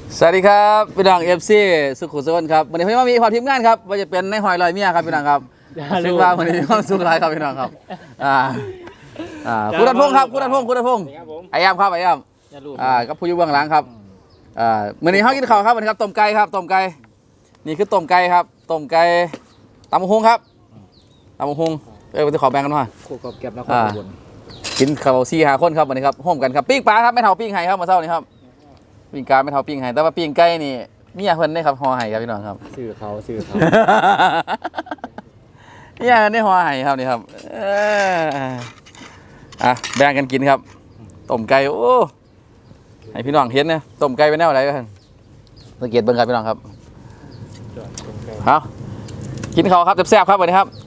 สวัสดีครับพี่น้องFCสุขุมสุขครับวันนี้พี่ว่ามีความทีมงานครับว่าจะเป็นในหอยลอยเมียครับพี่น้องครับซึ่งว่าวันนี้มีความสุขหลายครับพี่น้องครับคุณรัตพงศ์ครับคุณรัตพงศ์ไอ้ยามครับไอ้ยามกับผู้อยู่เบื้องหลังครับวันนี้เขากินข้าวครับวันนี้ครับต้มไก่ครับต้มไก่นี่คือต้มไก่ครับต้มไก่ตำบักหุ่งครับตำบักหุ่งไปขอแบ่งกันมาคู่กับแก็บนครอุบลกินข้าว4-5 คนครับวันนี้ครับห่มกันครับปิ้งปลาครับไม่เท่าปิ้งไห้ครับมาเช้านี้ครับปิ้งกาไม่เท่าปิ้งไห้แต่ว่าปิ้งไก่นี่มียเพิ่นได้ครับห่อไห้ครับพี่น้องครับซื้อเขามียเพิ่นได้ห่อไห้ครับนี่ครับแบ่งกันกินครับต้มไก่โอ้ให้พี่น้องเห็นนะต้มไก่เป็นแนวอะไรกันสังเกตเบิ่งครับพี่น้องครับเอากินข้าวครับแซ่บๆครับวันนี้ครับ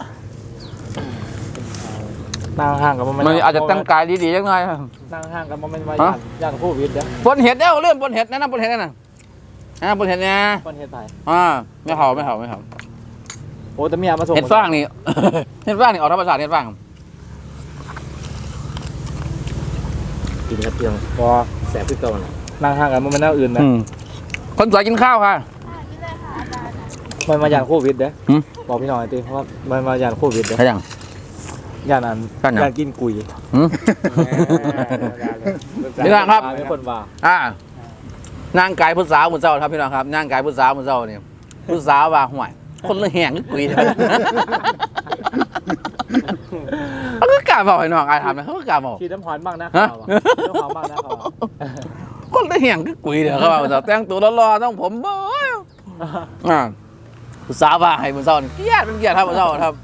นั่งห่างกับมันอาจจะตั้งกายดีๆจังหน่อยนั่งห่างกับมันเป็นย่างโควิดเด้อปนเห็ดเด้อเรื่องปนเห็ดนั่นปนเห็ดนั่นปนเห็ดเนี่ยปนเห็ดไทยไม่เห่าโอ้แต่เมียมาส่งเห็ดฟางนี่เห็ดฟางนี่ออกธรรมชาติเห็ดฟางกินครับเพียงพอแสบที่ตัวนั่งห่างกันมันเป็นแนวอื่นนะคนสวยกินข้าวค่ะมันมาย่างโควิดเด้อบอกพี่น้อยตีเพราะว่ามันมาย่างโควิดเด้อใช่ยังย่านนั้นย่านกินกุยนี่ครับเป็นคนว่านางกายพุทธสาวมุนเจ้าครับพี่น้องครับนางกายพุทธสาวมุนเจ้านี่พุทธสาวว่าห่วยคนละแห่งกุยเขาก็กล้าบอกให้น้องอายทำนะเขาก็กล้าบอกชีน้ำหอมบ้างนะเขาน้ำหอมบ้างนะเขาคนละแห่งกุยเดี๋ยวเขาบอกแต่งตัวรอๆต้องผมบ่พุทธสาวว่าให้มุนเจ้าเกลียดครับมุนเจ้าครับ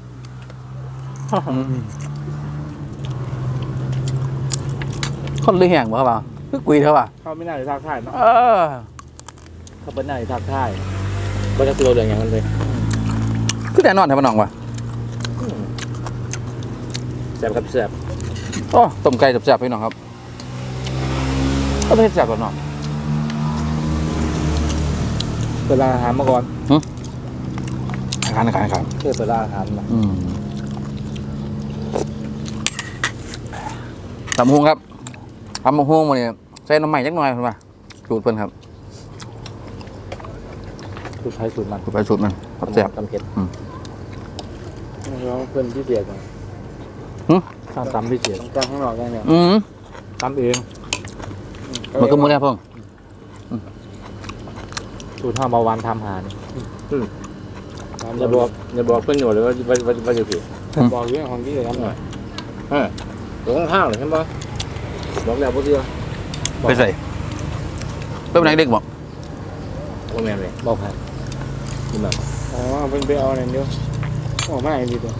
คนเลยแห่งบ่ครับคือกุยเท่าป่ะเขาไม่น่าจะทักทายเนาะเขาเป็นน่าจะทักทายก็จะตัวเรื่องอย่างนั้นเลยคือแต่นอนแถวน้องว่ะแซ่บครับแซ่บโอ้ต้มไก่แซ่บพี่น้องครับก็ไม่แซ่บกว่าน้องเปิดร้านอาหารมาก่อนอาหารเปิดร้านอาหารมาตำบักหุ่งครับตำบักหุ่งมาเนี่ยใส่น้ำใหม่จักหน่อยเพิ่นว่าสูตรเพิ่นครับสูตรไทยสูตรมันแซ่บตำเผ็ดน้องเพิ่นพิเศษนะตำพิเศษตำข้างนอกได้เนี่ยตำเองมันก็มือแรกพ่อสูตรห้าเบาหวานทำหานี่อย่าบอกเพื่อนอยู่เลยว่าจะผิดบอกเรื่องของที่จะทำหน่อยตัวข้างๆเลยใช่ไหมบอกแล้วพวกเดียวไปใส่ไปไหนเด็กบอกโอ้แม่เลยบอกใครกินแบบเป็นไปเอาอะไรเดียวไม่ดีตัว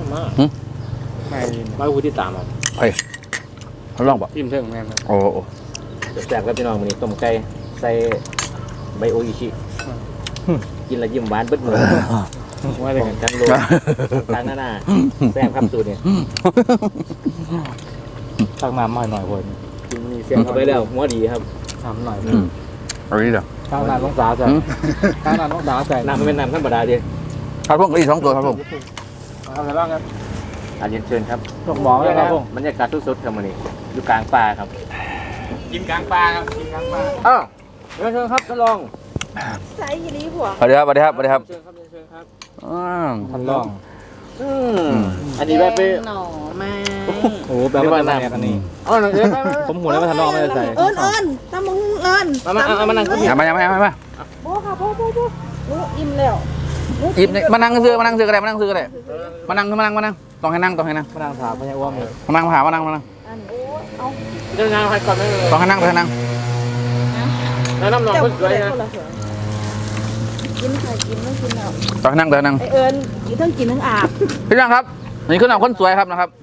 ไม่พูดที่ตามอ่ะเขาลองบอกจิ้มเท่งแม่โอ้แซ่บกับพี่น้องวันนี้ต้มไก่ใส่ใบโออิชิกินแล้วยิ้มหวานเบิดมือว่าเป็นกันโลทางหน้าแซ่บครับสูตรเนี่ยตักน้ำมาหน่อยคนกินมีเสียงเข้าไปแล้วหัวดีครับทำหน่อยเอาดีเดี๋ยวข้างน้ำต้องสาใส่ข้างน้ำต้องสาใส่น้ำเป็นน้ำธรรมดาดิครับพวกอีก2 ตัวครับผมอะไรบ้างครับอาเรียนเชิญครับพวกหมอเลยครับพวกบรรยากาศสุดๆครับวันนี้อยู่กลางป่าครับกินกลางป่าครับกินกลางป่าเชิญครับท่านรองใส่ยีรีผัวสวัสดีครับเชิญครับท่านรองอันนี้แบบหน่อไม้โอ้แบบว่าน้ำอันนี้ผมหัวแล้วมาท่านรองไม่ได้ใส่ตำมึงมานั่งมาโบค่ะโบอิ่มแล้วอิ่มมานั่งซื้อก็ได้มานั่งต้องให้นั่งมานั่งถามพญาอ้วมเลยมานั่งมานั่งเดินทางไปก่อนเลยต้องให้นั่งแล้วน้ำหนองก็สวยนะกินค่ะกินไม่กินแล้วต้องให้นั่งกินทั้งกินทั้งอาบพี่น้องครับนี่คือหนังคนสวยครับนะครับ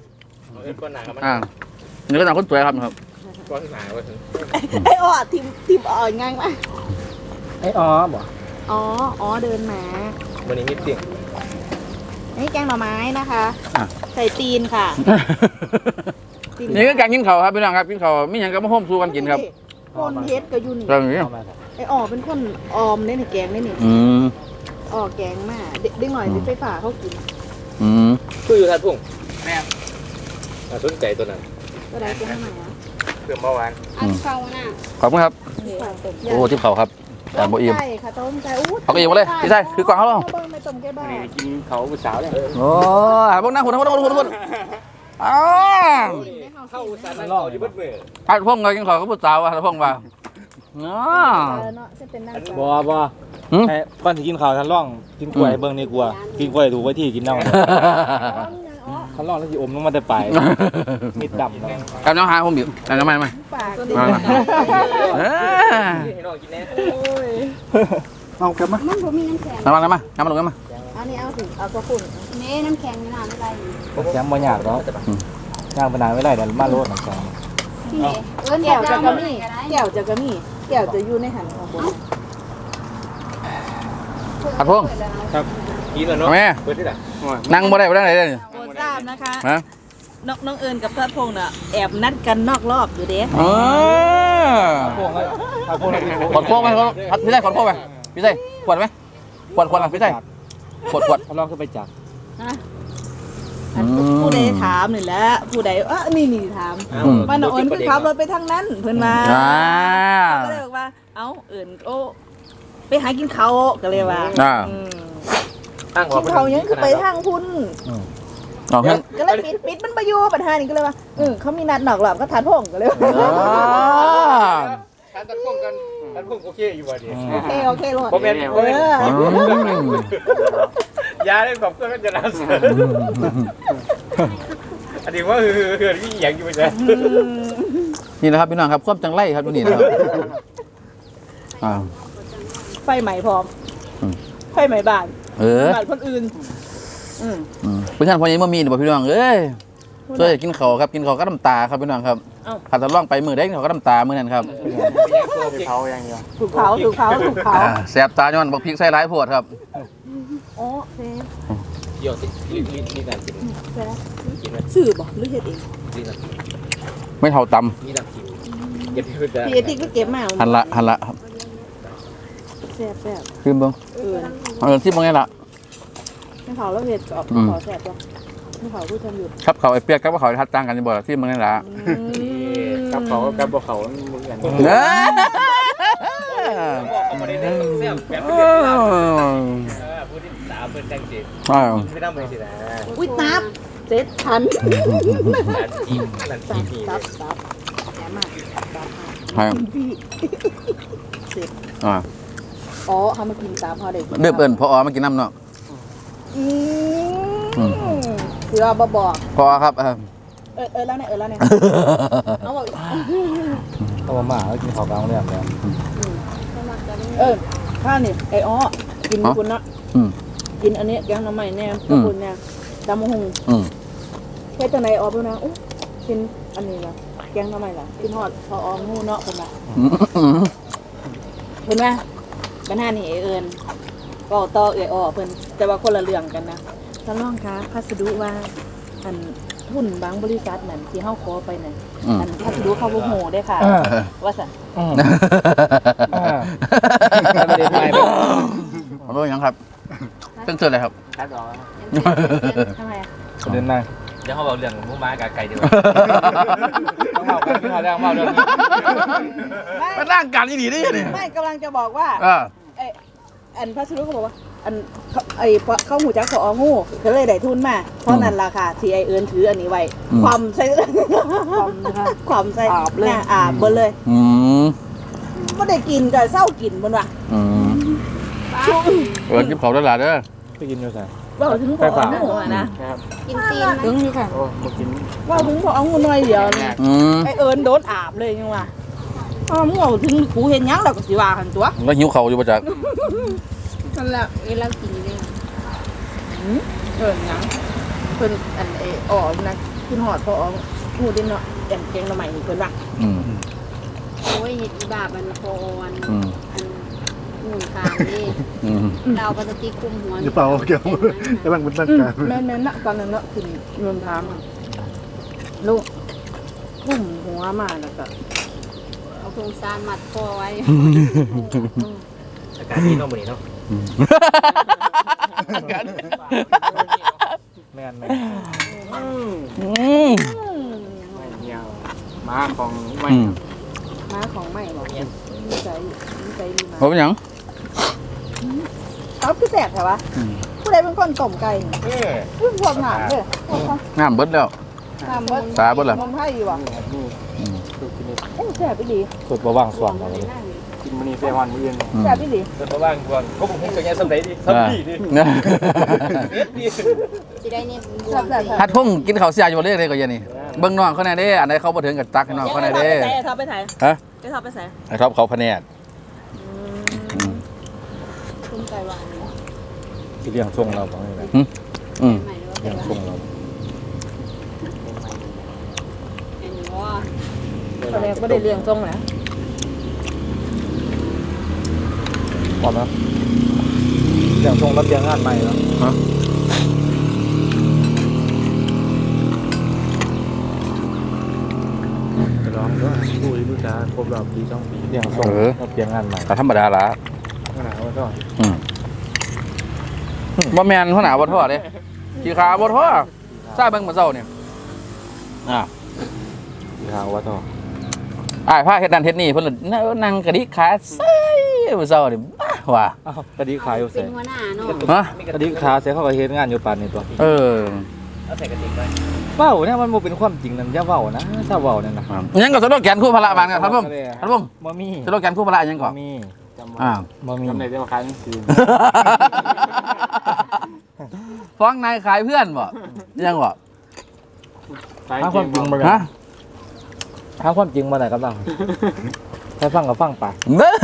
นี่คือหนังคนสวยครับนะครับไอ้อ้อทิมอ่อนง่ายมากไอ้อ๋อบ่เดินมาวันนี้นิดเดียวนี่แกงหน่อไม้นะคะใส่ตีนค่ะนี่คือการกินข้าวครับพี่น้องครับกินข้าวไม่อย่างกับมาโฮมซูกันกินครับคนเฮ็ดก็อยู่นี่ไอ้เป็นคนออมในแกงนี่แกงมากเด็กหน่อยไฟฟ้าเขากินคืออยู่ทัดพุ่งแม่สนใจตัวนั้นก็ได้เป็นไหนเพื่อเมื่อวานอันเก่าน่ะขอบคุณครับโอ้ที่เขาครับแต่บ่อิ่มไก่ค่ะต้มไก่อู้เอาก็อิ่มหมดเลยพี่ชายคือกล่องเขาเหรอเบิ่งไม่ต้มไก่บ้านี่กินเขาผู้สาวเนี่ยโอ้ยพวกนั่งหุ่นอ้าวเข้าสารนั่งเขาที่เบิดมือฮัดพงไงกินข้าวกับผู้สาวฮัดพงว่าเนาะเนาะจะเป็นนั่งบ่ไอ้ก่อนสิกินข้าวทันร่องกินกล้วยเบิ่งนี่กลัวกินกล้วยถูกไว้ที่กินเน่าทันร่องแล้วสิอมลงมาแต่ปลายมีดดำเนาะกับน้องหาผมอยู่แต่น้ำมันไหมปากมาให้น้องกินแน่เอากลับมามันบ่มีน้ำแข็งน้ำมันลงมาอันนี้เอาสิเอากระปุ่นนี่น้ำแข็งนี่น้ำอะไรแข็งบ่ยากเนาะย่างปานานไม่ได้เดี๋ยวมาโลดน้ำแข็งที่เอิ้นแก้วจะจะกระมีมี่แก้วจะกระมี่แก้วจะอยู่ในหันของผมฮัดพงกินแล้วเนาะแม่เปิดที่ไหนนั่งบ่ได้บ่ได้ไหนเลยโปรดทราบนะคะฮะน้องเอิญกับทัดพงษ์น่ะแอบนัดกันนอกรอบอยู่เด้อ๋อพวกเอาพวกเรากินขอดโค้งไหมพี่ได้ขอดโค้งไหมพี่ได้ขวดไหมขวดอ่ะพี่ได้ขวดทันร่องขึ้นไปจับอันผู้ใดถามนี่แหละผู้ใดนี่ถามว่าน้องเอิญคือขับรถไปทางนั้นเพิ่นมาก็เลยบอกว่าเอ้าเอิญโอ้ไปหากินเขาก็เลยว่าตั้งกินเขายังคือไปทางพุ่นเอาเพื่อนก็เลยปิดมันไปอยู่ปัญหานี่ก็เลยว่าเขามีนัดนอกรอบก็ทัดพงษ์ก็เลยการตัดพุ่งกันตัดพุ่งโอเคอยู่บ่ดีโอเคโลดผมเป็นยาได้แบบเพื่อนก็จะรักอันนี้ว่าคือที่อย่างอยู่ไปใช่นี่นะครับพี่น้องครับควบจังไรครับดูนี่นะครับไฟใหม่พร้อมไฟใหม่บ้านบ้านคนอื่นเพื่อนพอยังไม่มีหรือเปล่าพี่น้องเอ้ยช่วยกินข้าวครับกินข้าวก็น้ำตาครับพี่น้องครับขัดตะล่องไปมือได้กินข้าวก็น้ำตามือนั่นครับเขาอย่างเดียวถูกเผาแสบตาย้อนบอกพริกใส่ร้ายโพดครับโอ้เซ่เกี่ยวนี่การกินกินไหมสื่อบอกหรือเฮ็ดเองนี่การกินไม่เท่าตนี่การกินเก็บคือจะพี่เอติก็เก็บมาำหันละครับแซ่บขึ้นเบิ้งที่มึงไงล่ะไม่เผาแล้วเฮ็ดออกขอแซ่บจ้ะไม่เผาผู้ชมหยุดครับเขาไอ้เปียกกับเขาทัดจ้างกันจะบอกที่มึงไงล่ะกับเขากับบ่เขามึงกันเนเขาไม่ได้เสียแบบพูดที่สาวเป็นจังจีไม่ต้องไปสินะอุ้ยนับเจ็ดพันนั่นจีนี่ตับแย่มากพี่เสร็จเขามากินตามพอเด็กเดือบเอิญพอมากินน้ำเนาะเสือบอกพอครับแล้วเนี่ยเอาบอกต้องมาแล้วกินข้าวกลางเรื่องแล้วข้านี่ไอ้กินคุณนะกินอันนี้แกงน้ำใหม่เนี่ยคุณเนี่ยดำมะฮงแค่จังไหนเพื่อนนะกินอันนี้ละแกงน้ำใหม่ละกินฮอดพองูเนาะคนละเห็นไหมปัญหานี่เอิญก็ต่อเเพิ่นแต่ว่าคนละเรื่องกันนะท่านรองคะพัสดุว่าอันทุนบางบริษัทนั่นที่เฮาขอไปนั่นอันพัสดุเข้าบ่โหได้ค่ะว่าซั่นประเด็นใหม่ผมรู้ยังครับเพิ่งเจออะไรครับคัดออกทำไมประเด็นใหม่เดี๋ยวเขาบอกเรื่องมุ้งม้ากับไก่ดีกว่าต้องเมากันพี่เขาเรื่องเมาเรื่องนี้มันร่างการยี่ดีนี่เนี่ยไม่กำลังจะบอกว่าอันพัสดุเขาบอกว่าอันเข้าหูจักของูก็เลยได้ทุนมาเพราะนั่นราคาที่ไอเอิญถืออันนี้ไว้ความใส่ความใส่อาบเบอร์เลยไม่ได้กินก็เศร้ากินบนว่ะเอิญกินเขาได้หลายเด้อไปกินอยู่ไหนว่าถึงพองูนะกินตีนถึงนี่ค่ะโอ้มากินว่าถึงพองูน้อยเดียวนี่ไอเอิญโดนอาบเลยยังว่ะงูถึงกูเห็นยังเราก็สิว่าหันตัวแล้วหิวเขาอยู่ประจักษ์นั่นแหละเรากินอยู่เลยยังเพิ่นอันนะขึ้นหอดพองูดินเนาะแกงละใหม่เพิ่นว่าโอ้ยเห็ดอีบาบันโคอันหนึ่งคางนี่เราปกติคุมหัวหรือเปล่าเกี่ยวกำลังเป็นตั้งการแม่นะตอนนั้นเนาะขึ้นรวมทางลูกพุ่มหัวมาแล้วก็เอาโครงสร้างมัดคอไว้อากาศที่นอกมือเนาะแม่นเงี้ยม้าของไม่ม้าของใหม่บอกใจใจดีมากบ่เป็นหยังเขาคือแสบใช่ปะผู้ใดเป็นคนต้มไก่พวกหนามเด้อน้ำเบิดแล้วหนามเบิดสาเบิดแล้วมันไผ่อยู่อ่ะแสบไปดีสุดประว่างส่วนอะไรกินมื้อนี้ไปวันมื้ออื่นแสบไปดีเพิ่นบ่ว่างก่อนก็บ่ฮู้จักแย่สำใดดิสำดีดิสิได้เนี่ยบวแสมบแสบฮัดพุ่งกินข้าวเสียอยู่บ่เรียกเลยก็อยันนี่เบิ่งน้องเขาแน่เด้อันใดเขาบ่ถึงกับตักให้น้องเขาแน่เด้ไอ้ท็อปไปไหนฮะไอ้ท็อปไปไหนไอ้ท็อปเขาพะแนดต้มไก่หวานที่เลี้ยงส่งเราบอกให้เลยอืมใหม่หรือว่าเลี้ยงส่งเราอันนี้ว่าตอนแรกไม่ได้เลี้ยงทรงนะพร้อมแล้วเลี้ยงส่งรับเลี้ยงงานใหม่แล้วฮะจะร้องด้วยคุยดูจ้าครบรอบปี2ปีเลี้ยงส่งรับเลี้ยงงานใหม่ก็ธรรมดาละขนาดว่าก็บ่แม่นหัวหน้าบ่ทอเด้ขี้ขาบ่ทอทราบเบิ่งมื้อเช้านี่อ่าทางวัดต่ออ้ายพาเฮ็ดนั่นเฮ็ดนี่เพิ่นละนั่งกระดิกขาใส่มื้อเช้านี่บ้าว่ะอ้าวกระดิกขายอยู่เป็เสีนยหัวหน้าเนาะฮะกระดิกขาเสียเขาก็เฮ็ดงานอยู่ปานนี้ตัวเออเอาใส่กระติกไว้เว้าเนี่ยมันบ่เป็นความจริงนั่นอย่าเว้านะถ้าเว้านั่นนะยังก็สโลแกนคู่พละบานครับท่านผู้ชมท่านผู้ชมบ่มีสโลแกนคู่พละยังก่บ่อนมีจำอ่าบ่มีจำได้แต่ว่าขายหนังสือฟ้องนายขายเพื่อนบ่ยังบ่ขายหาความจริงบ่ได้ฮะหาความจริงบ่ได้กำลังให้ฟังก็ฟังไปเด้อ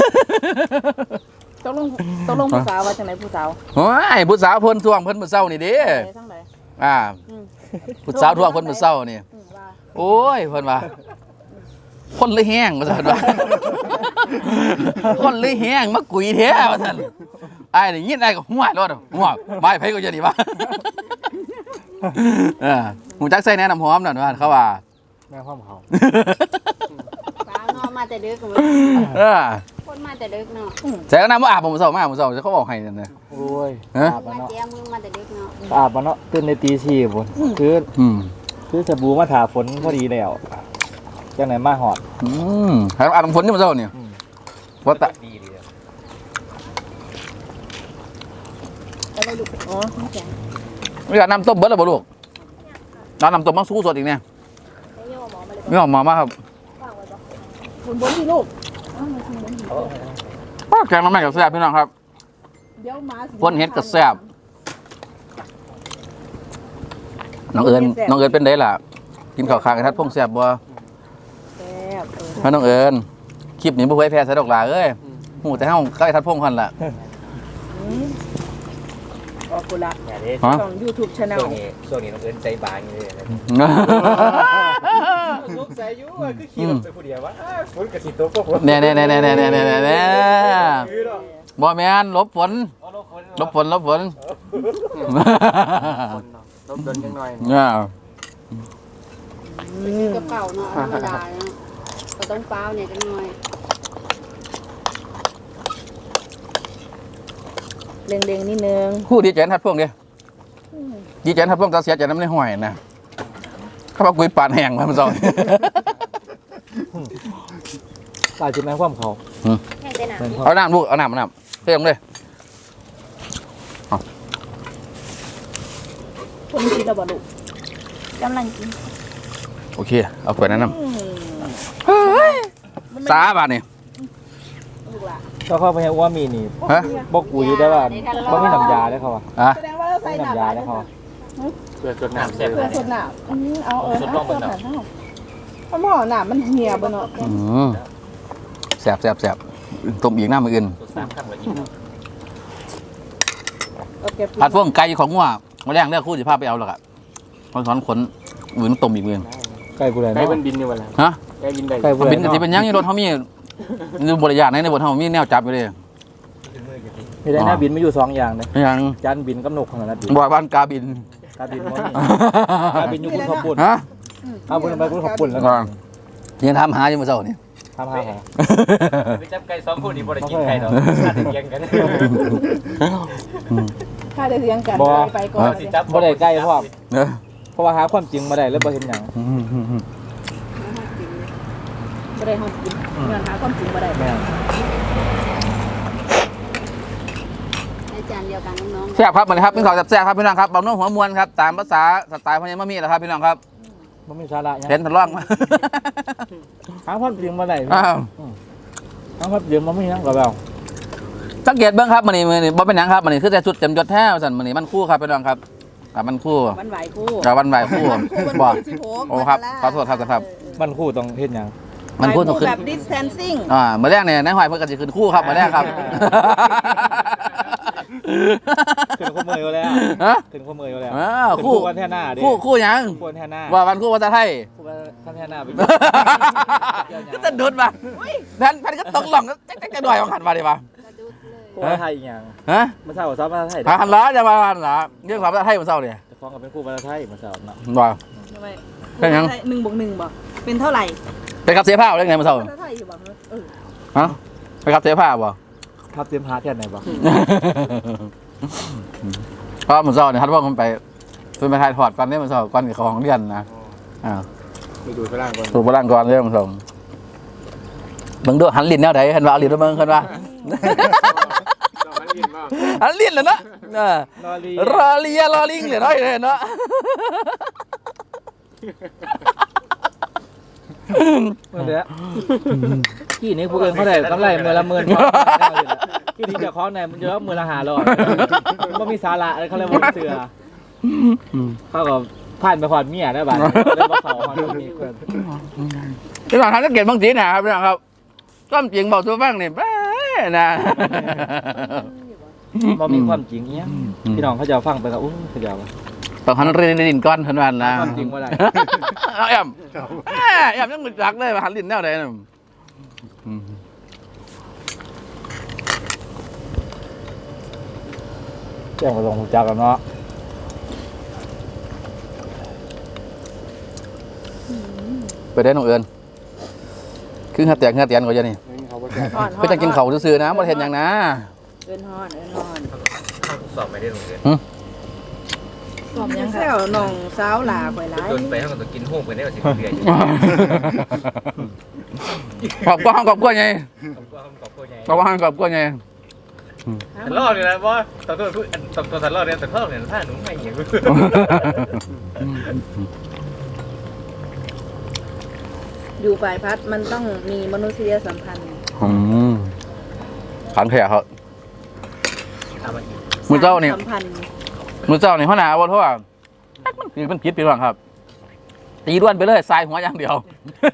ต้องลงผู้สาวว่าจังไหนผู้สาวโอ้ยผู้สาวเพิ่นทวงเพิ่นมื้อเช้านี่เด้ทั้งไหนอ่าผู้สาวทวงเพิ่นมื้อเช้านี่ว่าโอ้ยเพิ่นว่าคนเลยแห้งว่าซั่นว่าคนเลยแห้งมากุยแท้ว่าซั่นอ้ายได้ยินอ้ายก็หัวรถหัวบายไผก็จะนี่วะหูจักใส่แนะน้ำหอมนั่นว่าเขาว่าแม่ความเขาฟ้าเนาะมาแต่ดึกเออคนมาแต่ดึกเนาะใส่น้ำบ่อาบผมมื้อเช้ามามื้อเช้าเขาบอกให้นั่นน่ะโอ้ยฮะอาบมามาเนาะเจียมือมาแต่ดึกเนาะอาบมาเนาะตื่นในตี4พุ่นคืออืมคือสบู่มาถาฝนพอดีแล้วจังไหนมาหอดให้อาบน้ำฝนนี่มื้อเช้านี่ว่าตะดีดีอะไรลูกอ๋อไม่แก่มีการน้ำต้มเบิดแล้วบ่ลูกน้ำต้มมังสู้สดอีกเนี่ยไม่ยอมหมอมาเลยไม่ออกมามาครับบนที่ลูกแกงน้ำแม่กับแซ่บพี่น้องครับเดี๋ยวมาคนเฮ็ดกับแซ่บน้องเอิญเป็นไดล่ะ กินข้าวคางกันทัดพงแซ่บบ่แซ่บมาน้องเอิญคลิปนี้บ่เคยแพ้ใส่ดอกหลาเอ้ยหูแต่เฮาใกล้ทัดพงคันล่ะออกกุละอย่าเด้ฮะช่อง YouTube Channel ช่วงนี้น้องเอิญใจบางอยู่เลยสงสัยอยู่ว่าคือขี่รถไปผู้เดียววะฝนกระสิตกพวกแน่บ่แม่นลบฝนลบฝนลบเดินยังหน่อยกับเก่าเนาะธรรมดาเนาะก็ต้องเปล่าเนี่ยจังหน่อยเล็งๆนิดนึงคู่ดีใจทัดพงเด้ดีใจทัดพงตาเสียใจน้ำในห้อยนะเขาบอกกุยปานแห้งมาเมื่อเช้าตายจิแม่ความเขาแค่ได้หนาแม่นความเอาน้ำลูกเอาน้ำเพิ่มเลยคนกินแล้วบ่ลูกกำลังกินโอเคเอาไปนั้นน้ำสาบาทนี่ลูกหล่ะก็เข้าไปให้อ้วมีนี่ฮะบอกกูอยู่ได้ว่าเขามีน้ำยาได้เขาอ่ะอ่ะแสดงว่าเราใส่มีหนาน้ำยาได้เขาอะเพื่อจดน้ำเสร็จเพื่อสดหนาเอาเอาหนาเท่าหม้อหนามันเหี่ยบ่เนาะแสบต้มอีกหน้ามืออื่น 3 ครั้งละอีกเอาเก็บผัดพวกไก่ของงัวมาแรงเลือกคู่สิภาพไปเอาหรอกอ่ะตอนขนมือต้มอีกมือไก่กูเลยไก่เนาะมันบินอยู่วันละฮะไก่บินได้ไก่กูเลยบินกะทิเป็นยังอยู่รถเขามีดูบริยาในรถเขามีแนวจับอยู่เลยมีได้หน้าบินไม่อยู่2อย่างเลยยังจานบินกับนกของนั้นบินบ่อยบ้านกาบินกาบินบ่มีกาบินอยู่บนขอบปุ่นฮะเอาบนไปบนขอบปุ่นแล้วก่อนยังทำหาอยู่เมื่อเช้านี่ทำหาหาไปจับไก่2คนนี่บ่ได้กินไก่ดอกถ้าได้เลี้ยงกันถ้าได้เลี้ยงกันไปก่อนสิจับบ่ได้ใกล้พร้อมเนอะเพราะว่าหาความจริงมาได้แล้วบ่เห็นหยังบ่ได้ห้องกินเงินหาความจริงบ่ได้แม่นดียวกันน้องๆแซ่บครับเหมือนครับพี่น้องแซ่บครับพี่น้องครับเบาโน้หัวมวนครับตามภาษาสไตล์พญามามีแหละครับพี่น้องครับมันมีสาระยังเห็นทดลองหาความจริงมาได้อ้าวหาความจริงมันไม่นั่งกับเราสังเกตเบิ้งครับมันนี่บ่เป็นหยังครับมันนี่คือแต่ชุดเต็มยศแท้สั่นมันนี่มันคู่ครับพี่น้องครับมันคู่มันไหวคู่วันไหวคู่มันบอกสิโผโอ้ครับขอโทษครับครับมันคู่ต้องเฮ็ดหยังมันคู่ต้องขึ้นแบบ distancing เมื่อแรกเนี่ยนายหอยเพิ่งกันจะขึ้นคู่ครับเมื่อแรกครับขึ้นข้อมืออยู่แล้วฮะขึ้นข้อมืออยู่แล้วคู่วันแท่หน้าดิคู่หยังคู่วันแท่หน้าว่าวันคู่ภาษาไทยคู่วันแท่หน้าไปก็จะดุดมาแผ่นก็ตกหล่องก็จะด่วยของขันมาดิป่ะกระดุดเลยคู่วันไทยอีกอย่างฮะมาเศร้าซ้อมมาไทยหันล้อจะมาหันล้อเรื่องความภาษาไทยมันเศร้าเนี่ยจะฟ้องกับเป็นคู่วันไทยมาเศร้าเนาะว่าทำไมเป็นยัง 1+1บ่เป็นเท่าไหร่ไปขับเสียผ้าเรื่องไงมันเศร้าเท่าไหร่อยู่บ่ฮะไปขับเสียผ้าบ่ทับเตรียมพาแท่ไหนบ้างเพราะมันเศร้าเนี่ยทัดว่ามันไปเป็นไปถ่ายถอดก่อนเนี่ยมันเศร้าก่อนกับของเรียนนะไปดูฝรั่งก่อนถูกพลังก่อนเรื่องมันเศร้าเบิ่งดูหันลิ้นแนวไหนเห็นว่าเอาลิ้นมาเบิ่งเห็นว่าหันลิ้นเลยเนาะรอเลียรอลิงเลยเนาะเห็นเนาะเมื่อเดี๋ยวกี่นี้พวกเอิญเขาได้กำไรมือละ10,000กี่นี้จะคล้องในมันจะรับมือละ500มันมีสาระอะไรเขาเรียกว่าเสือเขาก็ผ่านไปผ่านเมียได้บ้างเรื่องเขาเขามีเพื่อนที่หลังทำนักเก็บบางทีนะครับพี่น้องครับก้มจริงบอกตัวบ้างเนี่ยนะมันมีความจริงเนี้ยพี่น้องเขาจะฟังไปกับอู้เขาจะว่าต้องหันเรียนดินก้อนทันวันนะความจริงว่าอะไรเอาแอมยังมึกจักเลยมาหันลิ้นแนวไหนน่ะแจ้งมาลงจักกันเนาะไปได้น้องเอิญคือหัดแตกหัดเตียนกว่าจะนี่เขาก็แก้เพื่อจะกินเขาซื่อๆนะบ่เห็นอย่างนะเอิ้นฮอนสอบไปได้โรงเรียนสอบยังแซวน้องสาวหลาข่อยหลายจนไปเขาก็ต้องกินห้องไปได้ว่าสิเบียร์อยู่ขอบกล้วยไงขอบคุณไงขอบกล้วยไงฉันรอดเลยนะว่าตอนตัวฉันรอดเนี่ยแต่เพิ่มเนี่ยถ้าหนูไม่เหี้ยอยู่ฝ่ายพัดมันต้องมีมนุษยสัมพันธ์ขันแผลเขาทำมาอีกมือเจ้านี่สัมพันธ์มือเจ้านี่หัวหน้าว่าเพราะว่ามันผิดไปหรือเปล่าครับตีด้วนไปเลยทรายหัวอย่างเดียว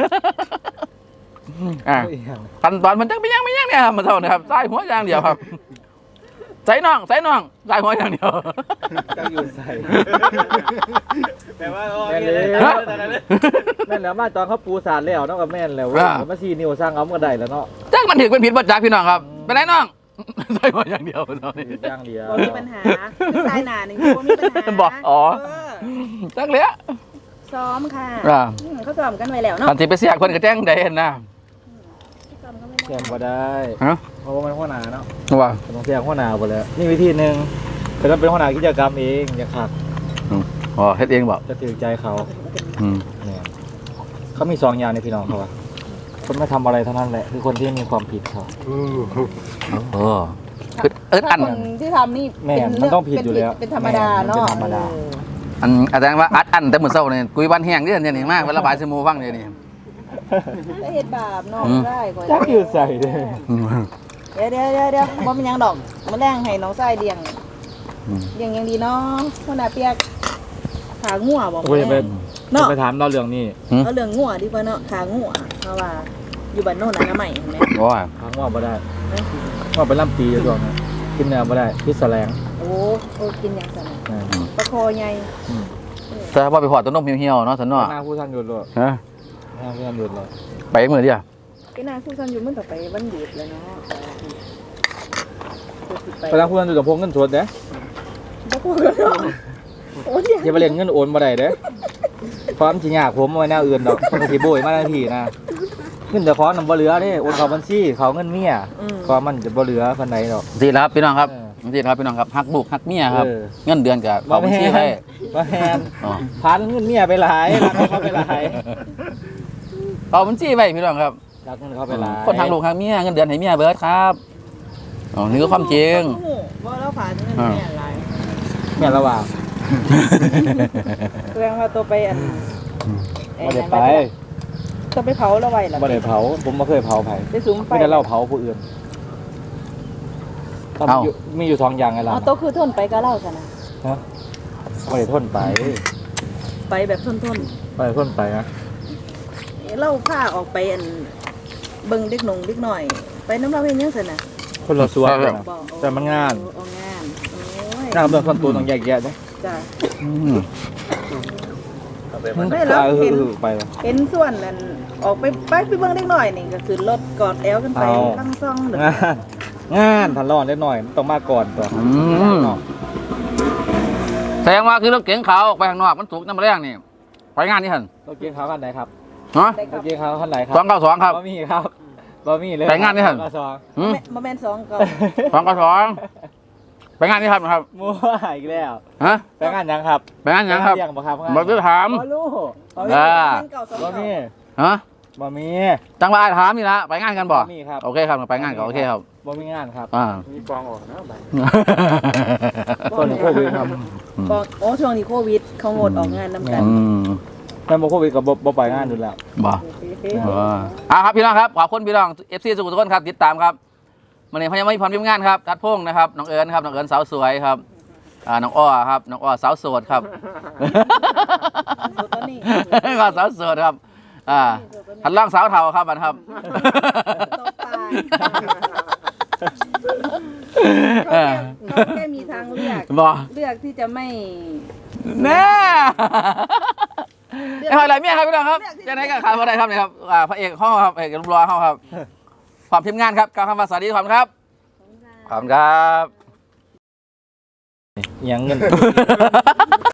ขั้นตอนมันจะไม่ยังเนี่ยครับมือเจ้าเนี่ยครับทรายหัวอย่างเดียวครับใส่น่องทรายหัวอย่างเดียวจะอยู่ใส่แต่ว่าแม่นเลยแม่นแล้วมาตอนเขาปูสารแล้วเนาะกับแม่นแล้วมาซีนิวสร้างเอามาได้แล้วเนาะจังมันถือเป็นผิดบัตรจักพี่น้องครับเป็นไรน้องใส่หัวอย่างเดียวตอนนี้ย่างเดียวบ่มีปัญหาสายหนานี่บ่มีปัญหาบอกอ๋อเออจังเลยอะซ้อมค่ะอ่าเขาซ้อมกันไว้แล้วเนาะตอนที่ไปเสียคนก็แจ้งได้เห็นนะซ้อมกันไว้แซแล้วมก็ได้ฮะเพราะว่ามันหัวหน้าเนาะว่าต้องแซมหัวหน้าหมดแล้วนี่วิธีหนึ่งแต่ถ้าเป็นหัวหน้ากิจกรรมเองอย่าขาดอ๋อเฮ็ดเองบอกจะถือใจเขาอืมเนี่ยเขามี2อย่างในพี่น้องเขาอะคนไม่ทำอะไรเท่านั้นแหละคือคนที่มีความผิดเขาเอออันคนที่ทำนี่แม่มันต้องผิดอยู่แล้วเป็นธรรมดาเนาะเป็นธรรมดาอาจารย์ว่าอันแต่เหมือนเศร้าเนี่ยกุยวันแห้งเรื่องนี่มากเวลาบ่ายสมูฟังเนี่ยนี่ถ้าเฮ็ดบาปเนาะได้ก่อนจักอยู่ใส่เลยเดี๋ยวบ่เป็นหยังดอกมาแรงให้น้องชายเลี้ยงยังดีเนาะคนน่ะเปียกขางัวบ่โอ้ยไปเนาะไปถามเราเรื่องนี้เอาเรื่องงัวดีกว่าเนาะขางัวเพราะว่าอยู่บ้านโน่นอนามัยเห็นไหมโอ้ยถามว่าบ่ได้ว่าไปล่ำปีอยู่ช่วงนั้นกินเนื้อบ่ได้พิษแสลงโอ้กินอย่างสั่นตะคอใหญ่แต่ว่าไปพอต้นนมเหี่ยวๆเนาะสันเนาะหน้าผู้ท่านหยุดเลยฮะหน้าผู้ท่านหยุดเลยไปมือเดียวพี่นาคู่ซันอยู่มันต่อไปวันหยุดแล้วเนาะไปล่างผู้ท่านหยุดกับพวกเงินสดเด้บ่พูดกันเนาะโอ้ยอย่าไปเล่นเงินโอนบ่ได้เด้ความสิยากผมไว้แนวอื่นดอกคนก็สิโบยมาทันทีนะเงินแต่ขอนำบ่เหลือเด้โอนเข้าบัญชีเขาเงินเมียก็มันจะบ่เหลือปานใดดอกดีแล้วครับพี่น้องครับดีครับพี่น้องครับฮักบุกฮักเมียครับเงินเดือนกับเขาบัญชีให้บ่แฮนพันเงินเมียไปหลายรักเขาไปหลายเอาบัญชีไว้พี่น้องครับรักเงินเขาไปหลายคนทางลูกทางเมียเงินเดือนให้เมียเบิร์ดครับอ๋อนี่ก็ความจริงว่าเราผ่านเงินแม่อะไรแม่ระหว่างแสดงว่าตัวไปอันไม่ได้ไปตัวไปเผาเราไว้หรอไม่ได้เผาผมไม่เคยเผาไผ่ไปสูงไฟไม่ได้เล่าเผาผู้อื่นต้องมีอยู่สองอย่างไงล่ะอ๋อตัวคือทนไปก็เล่าซะนะไม่ได้ทนไปไปแบบทนไม่ได้ทนไปนะเล่าผ้าออกไปอันเบิ่งเด็กหนุ่งเด็กหน่อย ไปน้ำเราเห็นยังซะนะคนละส่วนกันบอกแต่มันงานงานโอ้ยงานเรื่องส่วนตัวต้องแยกแยะนะจ้ะอืมไม่แล้วเห็นไปแล้วเห็นส่วนนั้นออกไปเบิ่งเด็กหน่อยนี่ก็คือรถกอดแอลกันไปลังซ่องเด้องานทันรอดได้หน่อยต้องมาก่อนตัวอืมแสดงว่าคือรถเก๋งขาวออกไปข้างนอกมันถูกน้ำมันแรงนี่ไปงานนี่หันรถเกียร์ขาวคันไหนครับฮะรถเกียร์ขาวคันไหนครับ 292ครับบะหมี่ครับบะหมี่เลยไปงานนี่หั่นสองหืมมาแม่น2ก็ 292ไปงานนี่ครับนะครับมั่วอีกแล้วฮะไปงานยังครับไปงานหยังครับยังบ่ครับบอกจะถามบ่รู้อ่าบะหมี่ฮะบะหมี่จังหวะถามนี่ละไปงานกันบ่บะหมี่ครับโอเคครับไปงานก็โอเคครับบะหมี่งานครับอ่ามีกองออกนะใบต้นโควิดครับบอกโอ้ช่วงนี้โควิดเขางดออกงานนำกันอืมแม่นบ่โควิดกับบ่ไปงานอยู่แล้วบ่ครับพี่น้องครับขอบคุณพี่น้อง FC สุขุมทุกคนครับติดตามครับวันนี้พญาไม่พรพิมพ์งานครับทัดพงษ์นะครับน้องเอิญครับน้องเอิญสาวสวยครับน้องอ้อครับน้องอ้อสาวโสดครับตอนนี้ก็สาวโสดครับทันล่างสาวเทาครับมันครับตกตายเขาแค่มีทางเลือกบ่เลือกที่จะไม่แน่ไอ้หอยไหลเมียครับพี่น้องครับจะไหนกันขายพอได้ครับเนี่ยครับพระเอกห้องครับพระเอกรูปรอห้องครับความทีมงานครับกล่าวคำว่าสวัสดีขอบคุณครับขอบคุณครับยังเงิน